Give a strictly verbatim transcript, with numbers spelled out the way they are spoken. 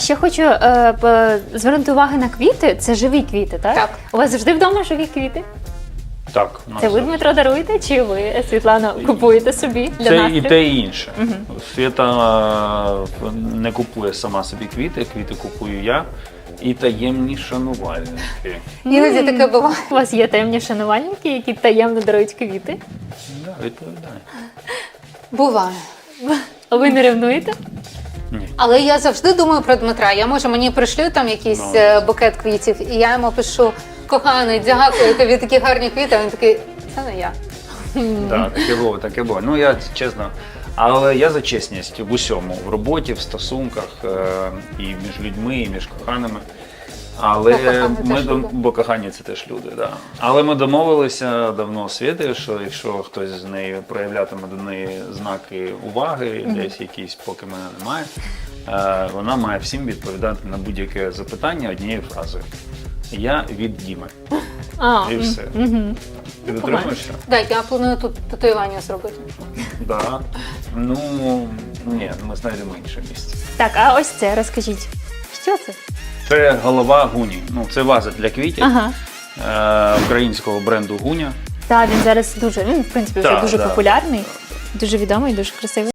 Ще хочу е, б- звернути увагу на квіти. Це живі квіти, так? Так. У вас завжди вдома живі квіти? Так, у нас Це ви, Дмитро, даруєте, чи ви, Світлана, купуєте собі для це настрою? і те, і інше. Свята е, не купує сама собі квіти, квіти купую я. І таємні шанувальники. Іноді таке буває. У вас є таємні шанувальники, які таємно дарують квіти? Да, відповідаю. Буває. А ви не ревнуєте? Ні. Але я завжди думаю про Дмитра. Я може мені пришлю там якийсь Ну. е, букет квітів, і я йому пишу: коханий, дякую, тобі такі гарні квіти. А він такий, це не я. Да, таке було, таке було. Ну я чесно, але я за чесність в усьому, в роботі, в стосунках е, і між людьми, і між коханими. Але Бо кохані ми теж дом- люди. бо кохані це теж люди, да. Але ми домовилися давно з Світою, що якщо хтось з нею проявлятиме до неї знаки уваги, десь якісь, поки мене немає, е, вона має всім відповідати на будь-яке запитання однією фразою. Я від Діми. А, І все. Угу. Ти дотримуєшся? Так, я планую тут татуювання зробити. Да. Ну, ні, ми знайдемо інше місце. Так, а ось це розкажіть. Що це? Це голова Гуні. Ну, це ваза для квітів Ага. е, українського бренду Гуня. Так, він зараз дуже, він, в принципі, вже Так, дуже да. популярний, дуже відомий, дуже красивий.